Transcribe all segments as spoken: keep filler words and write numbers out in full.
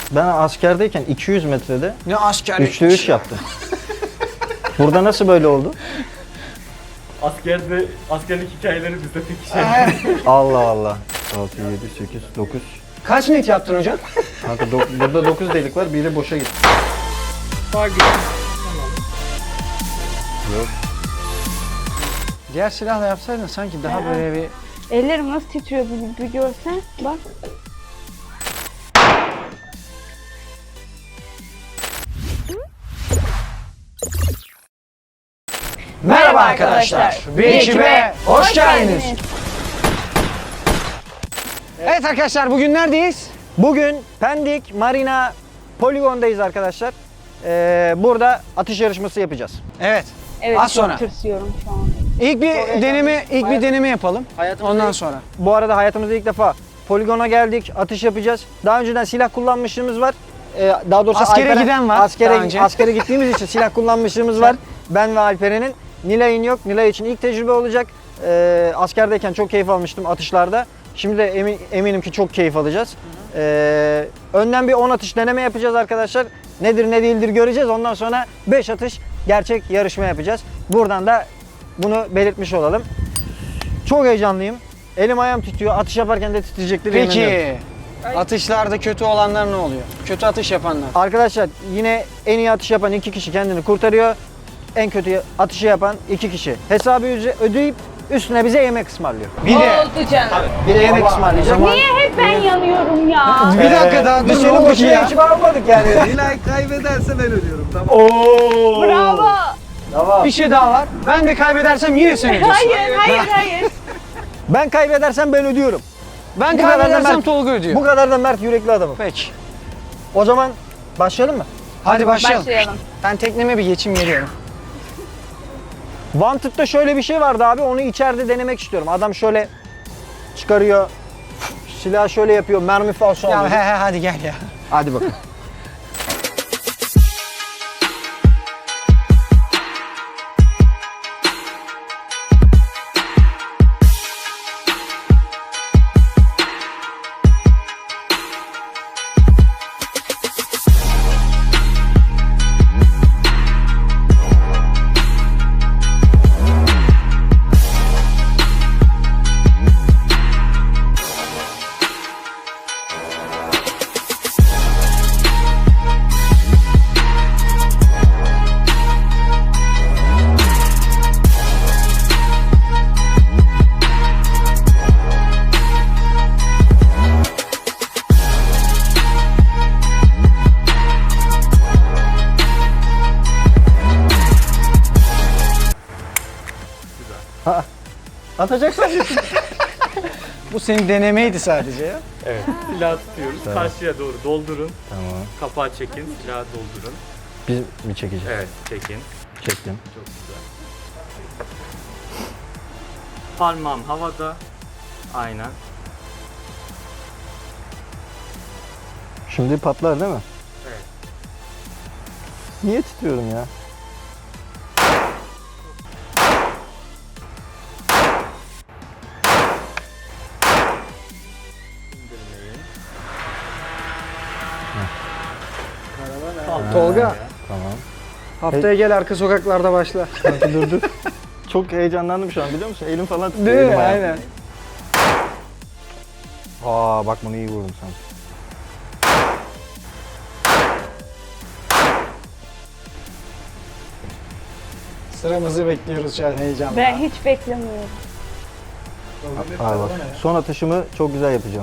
Ben askerdeyken iki yüz metrede Ne asker? üçte üç yaptım. Burada nasıl böyle oldu? Askerde, askerlik hikayeleri bizde pek şey. Allah Allah. altı, yedi, sekiz, dokuz. Kaç net yaptın hocam? Kanka do- burada dokuz delik var, biri boşa gitti. Yok. Diğer silahla yapsaydın sanki daha böyle bir... Ellerim nasıl titriyor bir, bir görsen. Bak. Merhaba arkadaşlar. Bir ekibe hoş geldiniz. Evet arkadaşlar bugün neredeyiz? Bugün Pendik Marina Poligon'dayız arkadaşlar. Ee, burada atış yarışması yapacağız. Evet. Evet, Az çok sonra. tırsıyorum şu an. İlk bir deneme, ilk bir deneme yapalım. Hayatımızda Ondan ilk- sonra. Bu arada hayatımızda ilk defa poligona geldik, atış yapacağız. Daha önceden silah kullanmışlığımız var. Ee, daha doğrusu Askere giden var daha Askere, önce. askere gittiğimiz için silah kullanmışlığımız var. Ben ve Alperen'in. Nilay'ın yok. Nilay için ilk tecrübe olacak. Ee, askerdeyken çok keyif almıştım atışlarda. Şimdi de emin, eminim ki çok keyif alacağız. Ee, önden bir on atış deneme yapacağız arkadaşlar. Nedir ne değildir göreceğiz. Ondan sonra beş atış gerçek yarışma yapacağız. Buradan da bunu belirtmiş olalım. Çok heyecanlıyım. Elim ayağım titriyor. Atış yaparken de titreyecektir. yemin ediyorum. Peki atışlarda kötü olanlar ne oluyor? Kötü atış yapanlar. Arkadaşlar yine en iyi atış yapan iki kişi kendini kurtarıyor. En kötü atışı yapan iki kişi hesabı üze- ödeyip üstüne bize yemek ısmarlıyor. Bir de Oldu canım. Bir de yemek ısmarlayacak. Niye hep ben yanıyorum ya? bir dakika daha Biz dur seni ne oldu boşuna ya? ekibe almadık yani. Nilay kaybederse ben ödüyorum tamam. Oo. Bravo. Tamam. Bir şey daha var. Ben de kaybedersem yine sen ödüyorsun. Hayır, hayır, hayır. Ben kaybedersem ben ödüyorum. Ben Bu kadar da kaybedersem Mert- Tolga ödüyor. Bu kadar da mert yürekli adamım. Peki. O zaman başlayalım mı? Hadi başlayalım. Başlayalım. Ben tekneme bir geçim geliyorum. Wanted'da şöyle bir şey vardı abi. Onu içeride denemek istiyorum. Adam şöyle çıkarıyor. Silah şöyle yapıyor. Mermi falso Ya alıyor. he he hadi gel ya. Hadi bakalım. Atacaksın. Bu senin denemeydi sadece ya. Evet. Silahı tutuyoruz. Karşıya doğru doldurun. Tamam. Kapağı çekin. Silahı doldurun. Biz mi çekeceğiz? Evet. Çekin. Çektim. Çok güzel. Parmağım havada. Aynen. Şimdi patlar değil mi? Evet. Niye titriyorum ya? İndirmeyin. Tolga Tamam. haftaya gel arka sokaklarda başla. Kanka dur dur. Çok heyecanlandım şu an biliyor musun? Elim falan titriyor. Değil mi? elim ayağım. Aynen. Aa bak bunu iyi vurdum sanki. Sıramızı bekliyoruz şu an heyecanla. Ben hiç beklemiyorum. Aa bak. Son atışımı çok güzel yapacağım.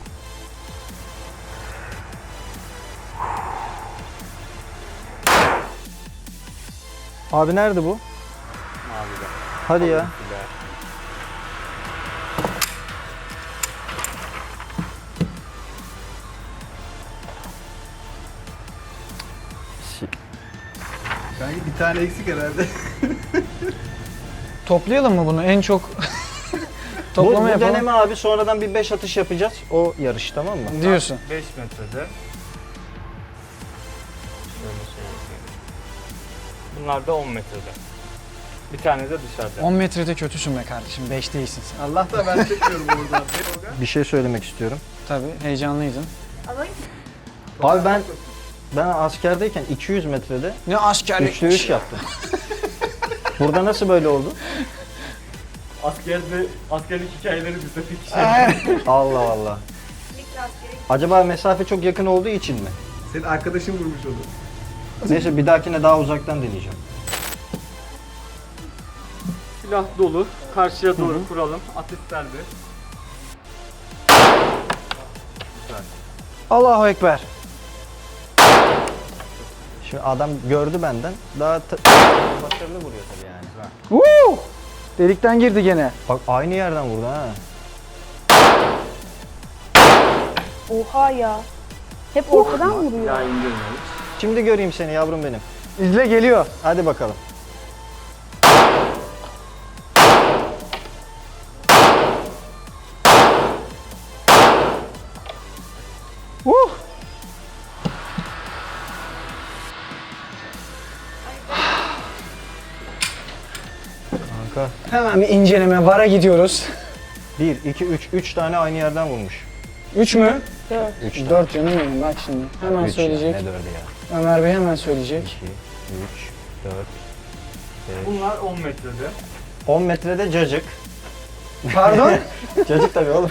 Abi nerede bu? Mavide. Hadi ya. Silah. Kanka bir tane eksik herhalde. Toplayalım mı bunu en çok? Bu, Toplama bu yapalım. deneme abi sonradan bir beş atış yapacağız. O yarış tamam mı? Diyorsun. beş metrede. Şöyle şey yapayım. Bunlar da on metrede. Bir tane de dışarıda. on metrede kötüsün be kardeşim. beş değilsin sen. Allah da ben çekiyorum oradan. Bir şey söylemek istiyorum. Tabii heyecanlıydın. Abi ben ben askerdeyken iki yüz metrede Ne askerlik. üçte üç yaptım. Burada nasıl böyle oldu? Askerde, askerlik hikayeleri bize pek Allah Allah. Acaba mesafe çok yakın olduğu için mi? Senin arkadaşın vurmuş onu. Neyse bir dahakine daha uzaktan deneyeceğim. Silah dolu. Karşıya doğru kuralım. Atış serbest. Allahu Ekber. Şimdi adam gördü benden. Daha ta- başarılı vuruyor tabii yani. Woo! Delikten girdi gene. Bak aynı yerden vurdu ha. Oha ya. Hep ortadan vuruyor. Ya indirmeyiz. Şimdi göreyim seni yavrum benim. İzle geliyor. Hadi bakalım. Woo! Kanka. Hemen bir inceleme. Vara gidiyoruz. bir, iki, üç. üç tane aynı yerden vurmuş. Üç mü? Dört. üç tane. Dört canım benim bak şimdi. Hemen Üç ya, söyleyecek. ne dördü ya? Ömer Bey hemen söyleyecek. iki, üç, dört, beş. Bunlar on metrede. on metrede cacık. Pardon? Cacık tabii oğlum.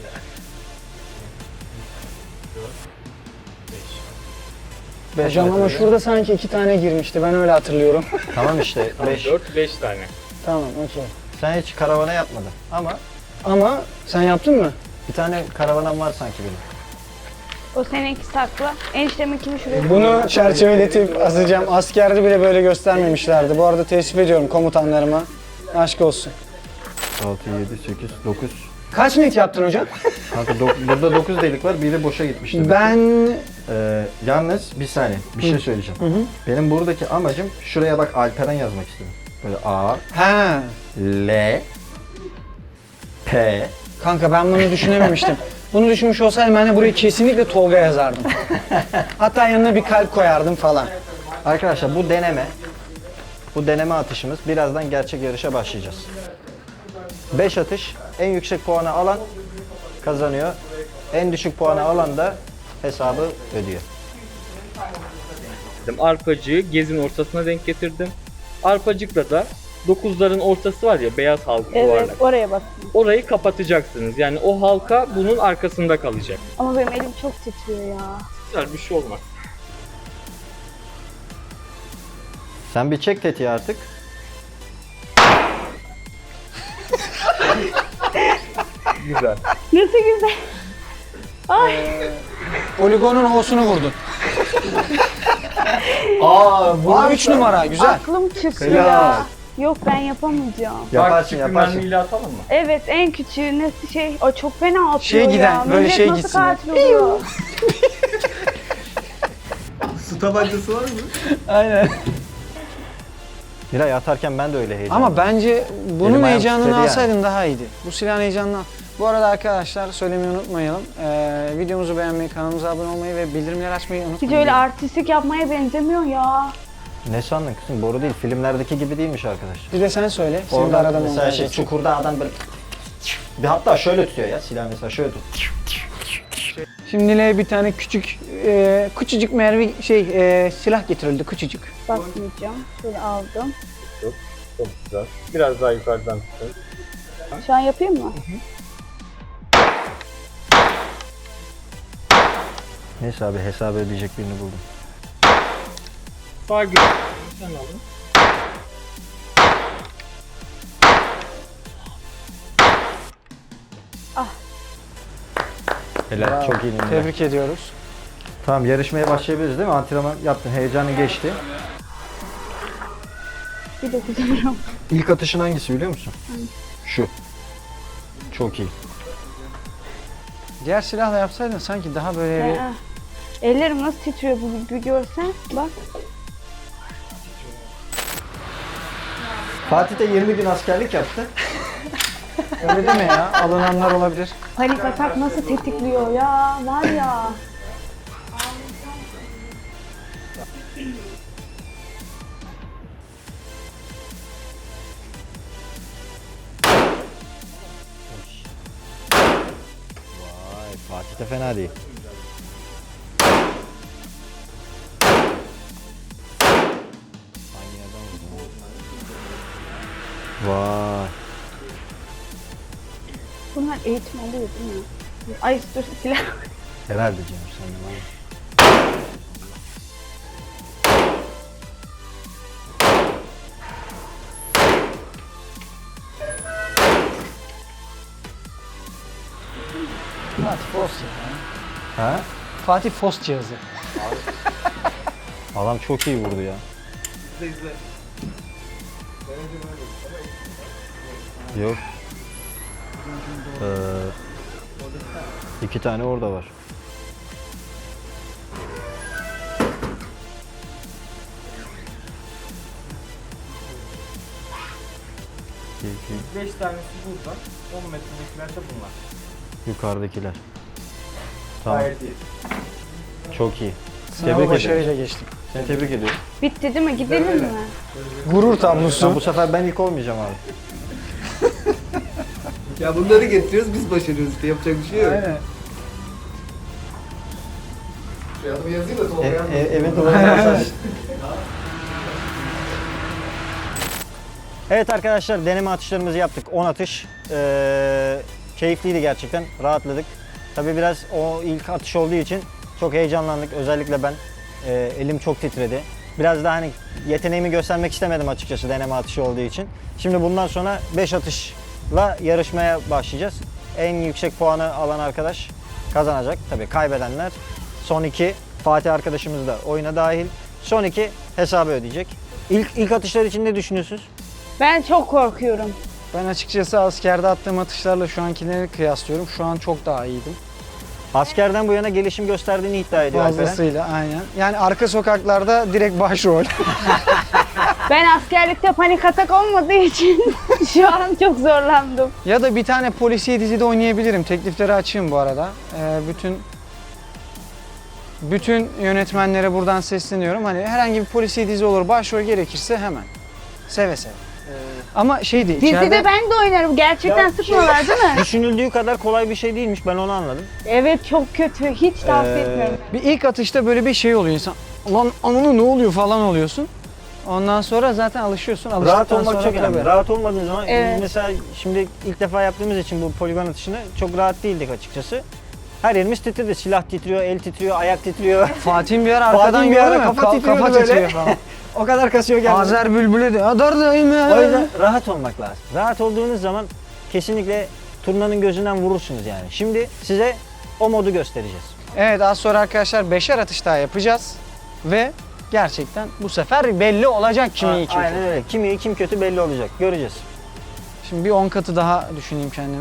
beş Hocam ama metrede. şurada sanki iki tane girmişti. Ben öyle hatırlıyorum. Tamam işte beş. dört, beş tane. Tamam okey. Sen hiç karavana yapmadın ama Ama sen yaptın mı? bir tane karavanam var sanki benim. O seninki sakla. Enişteminkini şuraya. Bunu çerçeveletip asacağım. Askerde bile böyle göstermemişlerdi. Bu arada teessüf ediyorum komutanlarıma. Aşk olsun. altı, yedi, sekiz, dokuz. Kaç net yaptın hocam? Kanka dok- burada dokuz delik var, biri boşa gitmişti. Ben... Ee, yalnız bir saniye, bir şey söyleyeceğim. Benim buradaki amacım şuraya bak Alperen yazmak istedim. Böyle A, Ha. L, P. Kanka ben bunu düşünememiştim. Bunu düşünmüş olsaydım ben de buraya kesinlikle Tolga yazardım. Hatta yanına bir kalp koyardım falan. Arkadaşlar bu deneme, bu deneme atışımız. Birazdan gerçek yarışa başlayacağız. beş atış, en yüksek puanı alan kazanıyor. En düşük puanı alan da hesabı ödüyor. Arpacığı gezin ortasına denk getirdim. Arpacıkla da dokuzların ortası var ya, beyaz halka Evet, yuvarlak. oraya bak. Orayı kapatacaksınız. Yani o halka bunun arkasında kalacak. Ama benim elim çok titriyor ya. Güzel bir şey olmaz. Sen bir çek tetiği artık. Güzel. Nasıl güzel. Ay. Poligonun O'sunu vurdun. Aa, bu üç numara güzel. Aklım çıktı Helal. ya. Yok ben yapamayacağım. Yaparsın Küçük yaparsın. mermiyle atalım mı? Evet en küçüğü nasıl şey, o çok fena atıyor Şey ya. giden, böyle Millet şey nasıl gitsin. katil oluyor? Su tabancası var mı? Aynen. Miray atarken ben de öyle heyecanlıyım. Ama bence bunun Elim ayağım heyecanını titredi yani. alsaydın daha iyiydi. Bu silahın heyecanını al. Bu arada arkadaşlar söylemeyi unutmayalım. Ee, videomuzu beğenmeyi, kanalımıza abone olmayı ve bildirimleri açmayı Hiç unutmayın. öyle artistik yapmaya benzemiyor ya. Ne sandın kızım? Boru değil. Filmlerdeki gibi değilmiş arkadaş. Bir de sen söyle. Senin de Orada aradan mesela olmaya şey geçsin. çukurda adam böyle bir hatta şöyle tutuyor ya silah mesela şöyle tut. Şimdi Nilay'a bir tane küçük, e, küçücük mermi şey e, silah getirildi küçücük. Basmayacağım. Şöyle aldım. Çok güzel. Biraz daha yukarıdan tutun. Şu an yapayım mı? Neyse abi hesabı ödeyecek birini buldum. Sağ göz. Sen alın. Helal çok iyi Miray. Tebrik ediyoruz. Tamam yarışmaya başlayabiliriz değil mi? Antrenman yaptın, heyecanı geçti. Bir dokuz euro. İlk atışın hangisi biliyor musun? Şu. Çok iyi. Diğer silahla yapsaydın sanki daha böyle bir... Ee, Ellerim nasıl titriyor bu bir görsen. Bak. Fatih de yirmi gün askerlik yaptı. Öyle deme ya, alınanlar olabilir. Panik atak nasıl tetikliyor ya. Var ya. Vay Fatih de fena değil. Vay. Bunlar eğitim alıyor değil mi? Ay dur silah. Herhalde canım sen de var. Fatih Fos ya. Ha? Fatih Fos cihazı. Adam çok iyi vurdu ya. İzle izle. Yok. Ee, iki tane orada var. İki, iki. beş tanesi burada, on metredekiler de bunlar. Yukarıdakiler. Tamam. Gayet iyi. Çok iyi. Sınavı Tebrik başarıyla ederim. geçtim. Seni tebrik ediyorum. Bitti değil mi? Gidelim mi? Gurur Ya tablosu. bu sefer ben ilk olmayacağım abi. Ya bunları getiriyoruz biz başarıyoruz işte yapacak bir şey yok. Aynen. Şu adımı yazayım da E, Tolga yazmasın. e, evet olmaz. Evet arkadaşlar, deneme atışlarımızı yaptık. on atış. Ee, keyifliydi gerçekten. Rahatladık. Tabii biraz o ilk atış olduğu için çok heyecanlandık. Özellikle ben. Ee, elim çok titredi. Biraz daha hani yeteneğimi göstermek istemedim açıkçası deneme atışı olduğu için. Şimdi bundan sonra beş atışla yarışmaya başlayacağız. En yüksek puanı alan arkadaş kazanacak. Tabii kaybedenler son iki, Fatih arkadaşımız da oyuna dahil. Son iki hesabı ödeyecek. İlk, ilk atışlar için ne düşünüyorsunuz? Ben çok korkuyorum. Ben açıkçası askerde attığım atışlarla şu ankileri kıyaslıyorum. Şu an çok daha iyiydim. Askerden bu yana gelişim gösterdiğini iddia ediyor Alperen. Fazlasıyla aynen. Yani arka sokaklarda direkt başrol. Ben askerlikte panik atak olmadığı için şu an çok zorlandım. Ya da bir tane polisiye dizide oynayabilirim. Teklifleri açayım bu arada. Ee, bütün bütün yönetmenlere buradan sesleniyorum. Hani herhangi bir polisiye dizi olur, başrol gerekirse hemen. Seve seve. Ama şey değil. Dizide içeride- ben de oynarım. Gerçekten sıkmıyorlar değil mi? Düşünüldüğü kadar kolay bir şey değilmiş, ben onu anladım. Evet çok kötü. Hiç tavsiye Ee, etmiyorum. Bir ilk atışta böyle bir şey oluyor insan. Lan ananı ne oluyor falan oluyorsun. Ondan sonra zaten alışıyorsun. Rahat Alıştıktan olmak sonra çok önemli. tabii. Rahat olmadığın zaman Evet. mesela şimdi ilk defa yaptığımız için bu poligon atışını çok rahat değildik açıkçası. Her yerimiz titredi. Silah titriyor, el titriyor, ayak titriyor. Fatih'in bir ara arkadan Fatih'in bir ara gördün mü? kafa Ka- titriyordu kafa böyle. titriyor falan. O kadar kasıyor geldi. Azer Bülbül'e de adar dayım ya. O yüzden rahat olmak lazım. Rahat olduğunuz zaman kesinlikle turnanın gözünden vurursunuz yani. Şimdi size o modu göstereceğiz. Evet, az sonra arkadaşlar beşer atış daha yapacağız. Ve gerçekten bu sefer belli olacak kim iyi kim Aynen kötü. öyle. Kim iyi kim kötü belli olacak. Göreceğiz. Şimdi bir on katı daha düşüneyim kendimi.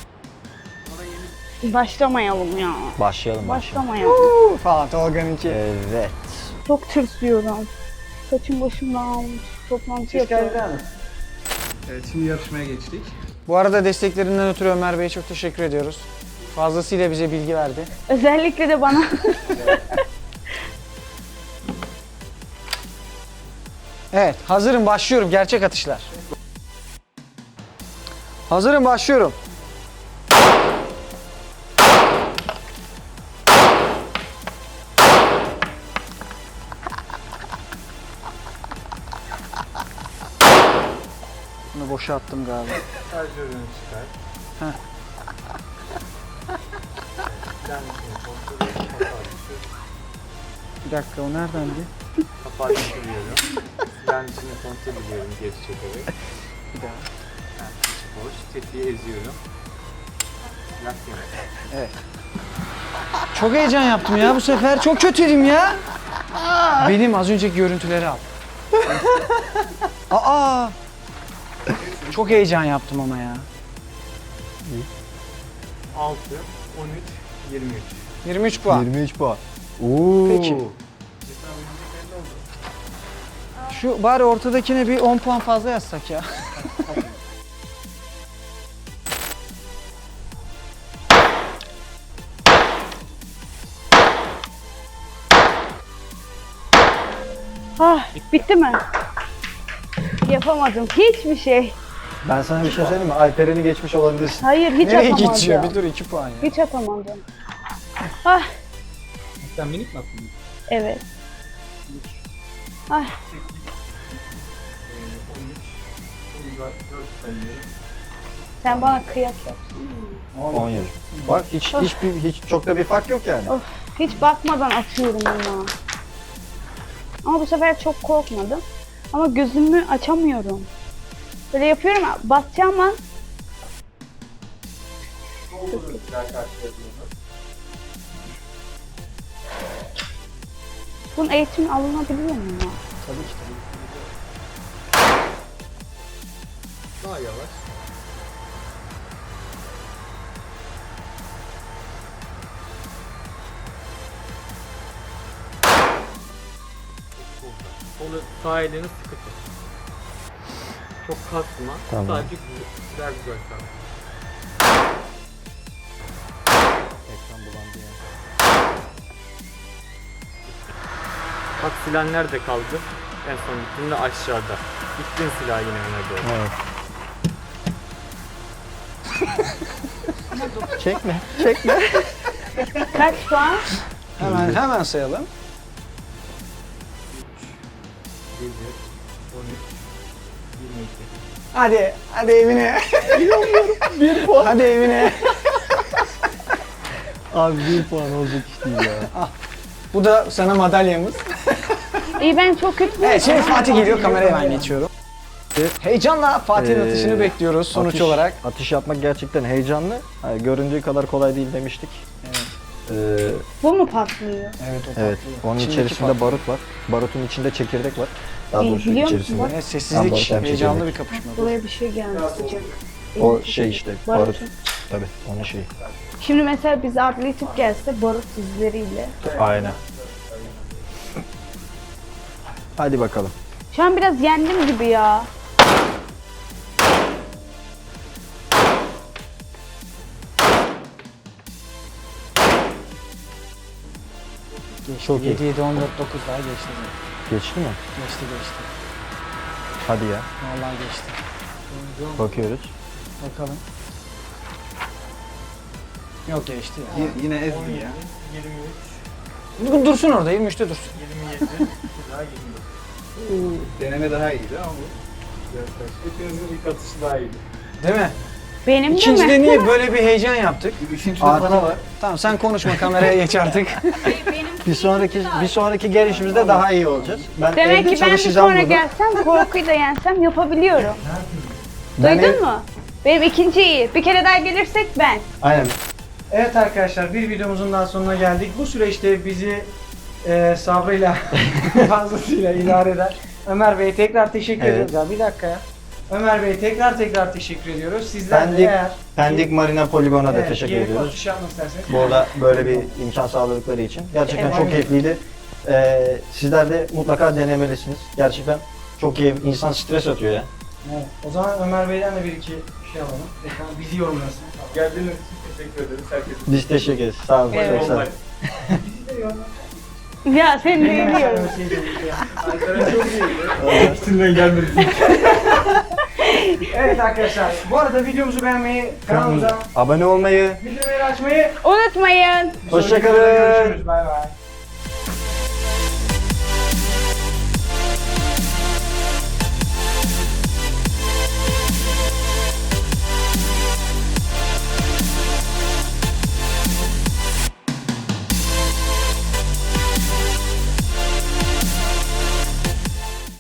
Başlamayalım ya. Başlayalım başlayalım. Başlamayalım. Falan Tolga'nınki. Evet. Çok tırsıyorum. Saçım başım dağılmış. Toplantı yapıyorum. Evet şimdi yarışmaya geçtik. Bu arada desteklerinden ötürü Ömer Bey'e çok teşekkür ediyoruz. Fazlasıyla bize bilgi verdi. Özellikle de bana. Evet, hazırım, başlıyorum. Gerçek atışlar. Hazırım, başlıyorum. Bunu boşa attım galiba. Şarjörünü çıkar. Heh. Bir dakika, o neredendi? Kapağı düşürüyorum. Silahın içine kontrol ediyorum geri çekerek. Bir daha. Yani içi boş. Tetiği eziyorum. Silah yemek. Çok heyecan yaptım ya bu sefer. Çok kötüydüm ya. Benim az önceki görüntüleri al. Aa! Çok heyecan yaptım ama ya. altı, on üç, yirmi üç. yirmi üç puan. yirmi üç puan. Oo. Peki. Şu bari ortadakine bir on puan fazla yazsak ya. Ah, bitti mi? Yapamadım. Hiçbir şey. Ben sana bir şey söyleyeyim mi? Alperen'i geçmiş olabilirsin. Hayır hiç Nereye atamadım. geçiyor? Bir dur iki puan ya. Hiç atamadım. Ah, Sen minik mi attın? evet. Ah, Sen bana kıyak yap. on yedi. Bak hiç hiç hiç çok da bir fark yok yani. Of, hiç bakmadan atıyorum bunu. Ama bu sefer çok korkmadım. Ama gözümü açamıyorum. Böyle yapıyorum, basacağım an. Bunun eğitimi alınabiliyor mu ya? Tabii ki tabii. Daha yavaş. Onu sağ elini sıkı tut. Çok kasma. Tamam. Sadece güzel, güzel güzel kal. Ekran bulandı ya. Bak silah nerede kaldı? En son gittiğinde aşağıda. Gittin silah yine öne doğru. Evet. Çekme, çekme. Kaç puan? Hemen hemen sayalım. yedi, on üç, yirmi iki. Hadi, hadi evine. Bir puan. Hadi evine. Abi bir puan olacak iş değil ya. Bu da sana madalyamız. İyi, ben çok kötü. Evet, şimdi Fatih geliyor, kameraya ben geçiyorum. Heyecanla Fatih'in Ee, atışını bekliyoruz sonuç Atış- olarak. Atış yapmak gerçekten heyecanlı. Yani göründüğü kadar kolay değil demiştik. Evet. Ee, Bu mu patlıyor? Evet, o evet, patlıyor. onun İçindeki içerisinde patlıyor. barut var. Barutun içinde çekirdek var. Daha İyi, doğrusu biliyor musun içerisinde. bak? Evet, Tam sessizlik, barut hem heyecanlı çekirdek. bir kapışma. Buraya bir şey gelmiş sıcak. O Elim şey sıcak. işte, Barut. barut. Tabii, onun şeyi. Şimdi mesela biz atletik gelse barut izleriyle. Aynen. Hadi bakalım. Şu an biraz yendim gibi ya. Geçti. Çok iyi. yedi, yedi, on dört, dokuz daha geçti. Geçti mi? Geçti, geçti. Hadi ya. Vallahi geçti. Bakıyoruz. Bakalım. Yok, geçti ya. Y- yine ezdi ya. yirmi üç, Dursun orada, yirmi üçte dursun. yirmi yedi, silah yirmi dokuz. Deneme daha iyiydi ama bu. Hepinizin ilk atışı daha iyiydi. Değil mi? Benim de İkincide mi? niye böyle bir heyecan yaptık? Üçüncüde Artı- bana var. Tamam, sen konuşma, kameraya geç artık. Bir sonraki bir sonraki gelişimizde daha iyi olacağız. Ben Demek evde ki ben bir çalışacağım sonra bunu. gelsem korkuyu da yensem yapabiliyorum. Ben Duydun ev- mu? Benim ikinci iyi. Bir kere daha gelirsek ben. Aynen. Evet arkadaşlar, bir videomuzun daha sonuna geldik. Bu süreçte bizi e, sabrıyla fazlasıyla idare eder. Ömer Bey'e tekrar teşekkür Evet. ediyoruz. Ya bir dakika ya. Ömer Bey'e tekrar tekrar teşekkür ediyoruz. Sizler de Pendik, eğer Pendik Marina Poligon'a da evet, teşekkür gelip ediyoruz. atış yapmak isterseniz. Bu arada böyle bir imkan sağladıkları için. Gerçekten Evet. çok keyifliydi. Ee, sizler de mutlaka denemelisiniz. Gerçekten çok keyif, insan stres atıyor ya. Evet. O zaman Ömer Bey'den de bir iki şey alalım. Ekran bizi yorumlasın. Geldiğiniz için teşekkür ederiz herkese. Biz teşekkür ederiz. Sağ olun. Evet. Çok sağ olun. Bizi de yorumlasın. Ya seni de biliyorum. Ankara çok iyiydi. İçinden gelmedi. Evet arkadaşlar, bu arada videomuzu beğenmeyi, kanalımıza Abone olmayı, bildirimleri açmayı Unutmayın. hoşça kalın. Görüşürüz. Bay bay.